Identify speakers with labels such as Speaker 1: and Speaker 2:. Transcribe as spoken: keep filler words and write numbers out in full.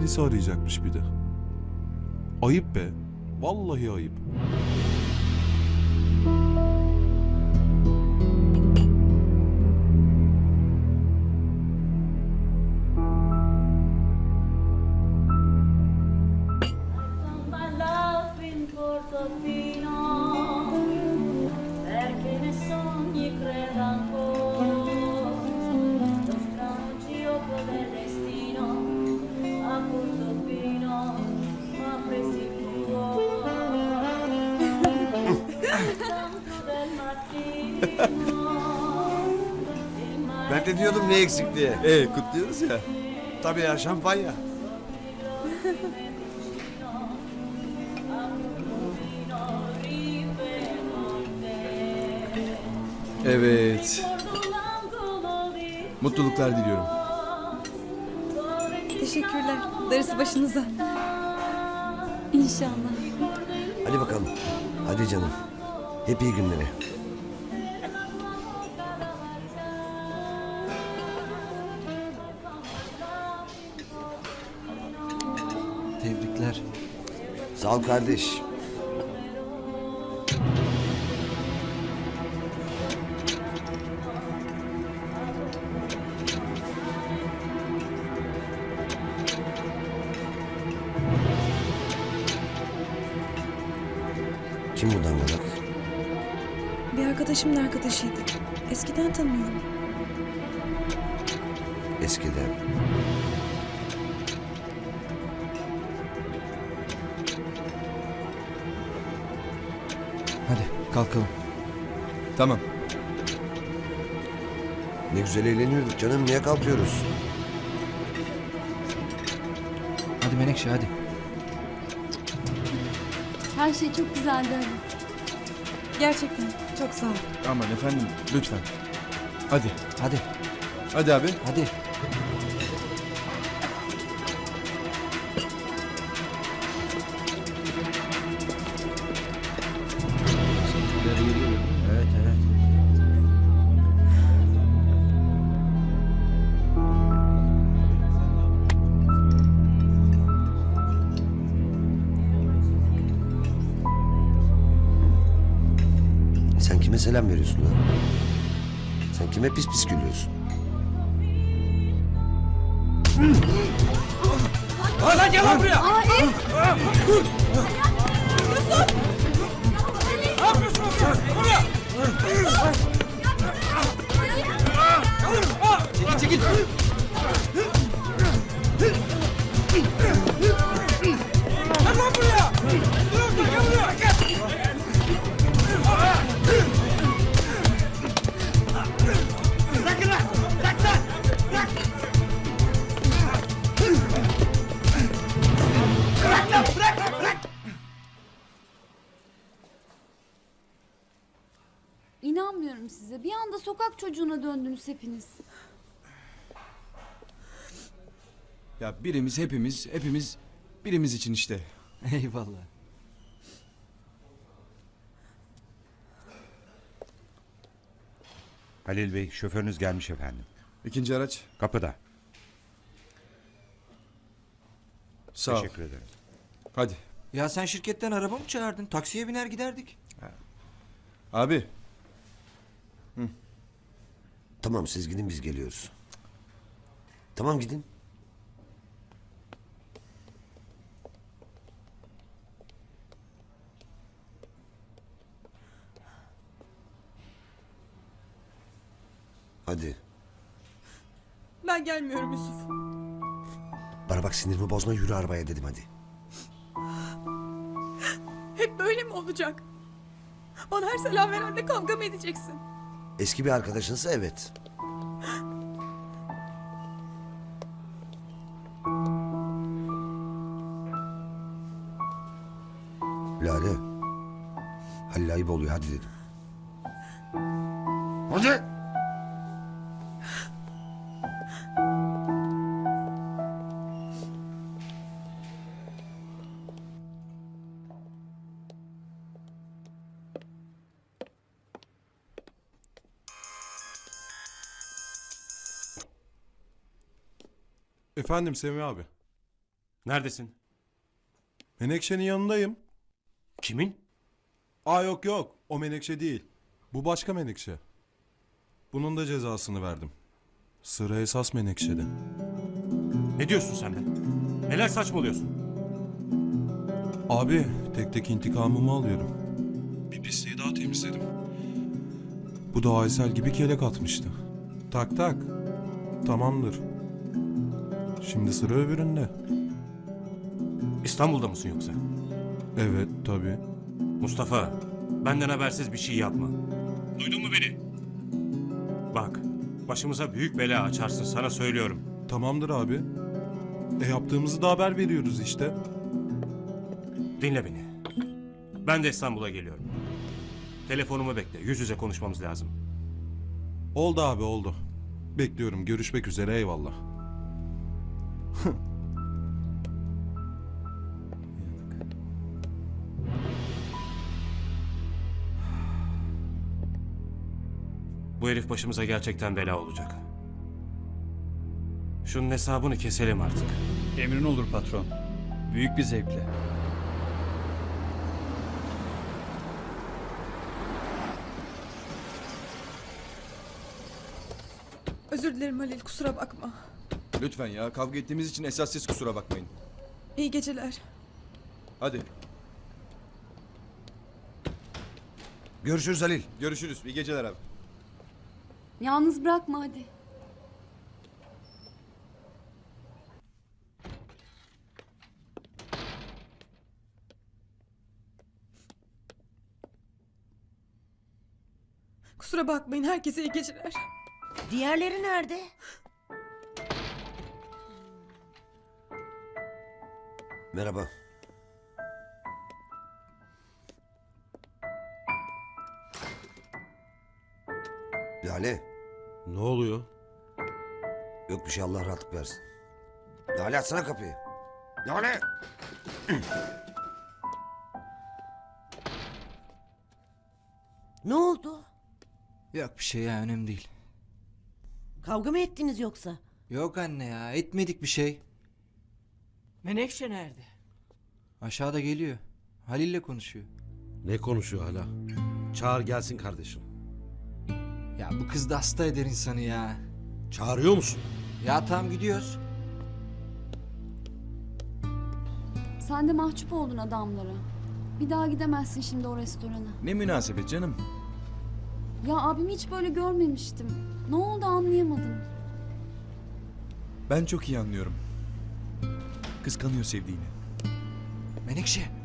Speaker 1: polisi arayacakmış bir de. Ayıp be. Vallahi ayıp.
Speaker 2: Perché ne sogni credo ancora, lo strano gioco del destino a Portofino m'ha presi il tanto del mattino.
Speaker 3: Ben de diyordum ne eksik diye.
Speaker 1: Ee kutluyoruz ya.
Speaker 3: Tabii ya, şampanya.
Speaker 1: Evet. Mutluluklar diliyorum.
Speaker 4: Teşekkürler. Darısı başınıza. İnşallah.
Speaker 3: Hadi bakalım. Hadi canım. Hep iyi günleri.
Speaker 5: Tebrikler.
Speaker 3: Sağ ol kardeş. Kim bu dangalak?
Speaker 4: Bir arkadaşımın arkadaşıydı. Eskiden tanıyorum.
Speaker 3: Eskiden.
Speaker 5: Hadi kalkalım.
Speaker 1: Tamam.
Speaker 3: Ne güzel eğleniyorduk canım. Niye kalkıyoruz?
Speaker 5: Hadi Menekşe hadi.
Speaker 6: Her şey çok güzeldi Ali.
Speaker 4: Gerçekten çok sağ ol.
Speaker 1: Aman efendim lütfen. Hadi.
Speaker 5: Hadi.
Speaker 1: Hadi abi.
Speaker 5: Hadi.
Speaker 3: Evet evet. Sen kime selam veriyorsun lan? Sen kime pis pis gülüyorsun?
Speaker 5: Lan gel lan buraya. Çekil çekil. Gel lan buraya. Gel buraya. Gel. Bırakın lan. Bırak lan. Bırak. Bırak lan. Bırak. Bırak.
Speaker 6: İnanmıyorum size. Bir anda sokak çocuğuna döndünüz hepiniz.
Speaker 1: Ya birimiz hepimiz hepimiz birimiz için işte.
Speaker 5: Eyvallah.
Speaker 7: Halil Bey, şoförünüz gelmiş efendim.
Speaker 1: İkinci araç.
Speaker 7: Kapıda.
Speaker 1: Sağ ol.
Speaker 7: Teşekkür ederim.
Speaker 1: Hadi.
Speaker 5: Ya sen şirketten araba mı çağırdın? Taksiye biner giderdik.
Speaker 1: Abi.
Speaker 3: Tamam siz gidin biz geliyoruz. Tamam gidin. Hadi.
Speaker 4: Ben gelmiyorum Yusuf.
Speaker 3: Bana bak sinirimi bozma yürü arabaya dedim hadi.
Speaker 4: Hep böyle mi olacak? Bana her selam verende kavga mı edeceksin?
Speaker 3: Eski bir arkadaşınsa evet. Lale. Halil ayıp oluyor hadi dedim. Hadi.
Speaker 1: Efendim Semih abi.
Speaker 8: Neredesin?
Speaker 9: Menekşe'nin yanındayım.
Speaker 8: Kimin?
Speaker 9: Aa yok yok, o Menekşe değil. Bu başka Menekşe. Bunun da cezasını verdim. Sıra esas Menekşe'de.
Speaker 8: Ne diyorsun sen be? Neler saçmalıyorsun?
Speaker 9: Abi tek tek intikamımı alıyorum. Bir pisliği daha temizledim. Bu da Aysel gibi kelek atmıştı. Tak tak. Tamamdır. Şimdi sıra öbüründe.
Speaker 8: İstanbul'da mısın yoksa?
Speaker 9: Evet tabii.
Speaker 8: Mustafa, benden habersiz bir şey yapma. Duydun mu beni? Bak, başımıza büyük bela açarsın, sana söylüyorum.
Speaker 9: Tamamdır abi. E yaptığımızı da haber veriyoruz işte.
Speaker 8: Dinle beni. Ben de İstanbul'a geliyorum. Telefonumu bekle, yüz yüze konuşmamız lazım.
Speaker 9: Oldu abi oldu. Bekliyorum. Görüşmek üzere, eyvallah.
Speaker 8: Bu herif başımıza gerçekten bela olacak. Şunun hesabını keselim artık.
Speaker 1: Emrin olur patron. Büyük bir zevkle.
Speaker 4: Özür dilerim Halil, kusura bakma.
Speaker 1: Lütfen ya, kavga ettiğimiz için esas siz kusura bakmayın.
Speaker 4: İyi geceler.
Speaker 1: Hadi
Speaker 3: Görüşürüz Halil.
Speaker 1: görüşürüz. İyi geceler abi.
Speaker 6: Yalnız bırakma hadi.
Speaker 4: Kusura bakmayın, herkese iyi geceler.
Speaker 10: Diğerleri nerede?
Speaker 3: Merhaba. Lale.
Speaker 5: Ne oluyor?
Speaker 3: Yok bir şey, Allah rahatlık versin. Lale açsana kapıyı. Lale.
Speaker 10: Ne oldu?
Speaker 11: Yok bir şey ya, önemli değil.
Speaker 10: Kavga mı ettiniz yoksa?
Speaker 11: Yok anne ya, etmedik bir şey.
Speaker 10: Menekşe nerede?
Speaker 11: Aşağıda geliyor. Halil'le konuşuyor.
Speaker 5: Ne konuşuyor hala? Çağır gelsin kardeşim.
Speaker 11: Ya bu kız da hasta eder insanı ya.
Speaker 5: Çağırıyor musun?
Speaker 11: Ya tamam, gidiyoruz.
Speaker 6: Sen de mahcup oldun adamlara. Bir daha gidemezsin şimdi o restorana.
Speaker 1: Ne münasebet canım.
Speaker 6: Ya abimi hiç böyle görmemiştim. Ne oldu anlayamadım.
Speaker 1: Ben çok iyi anlıyorum. Kıskanıyor sevdiğini.
Speaker 11: Menekşe,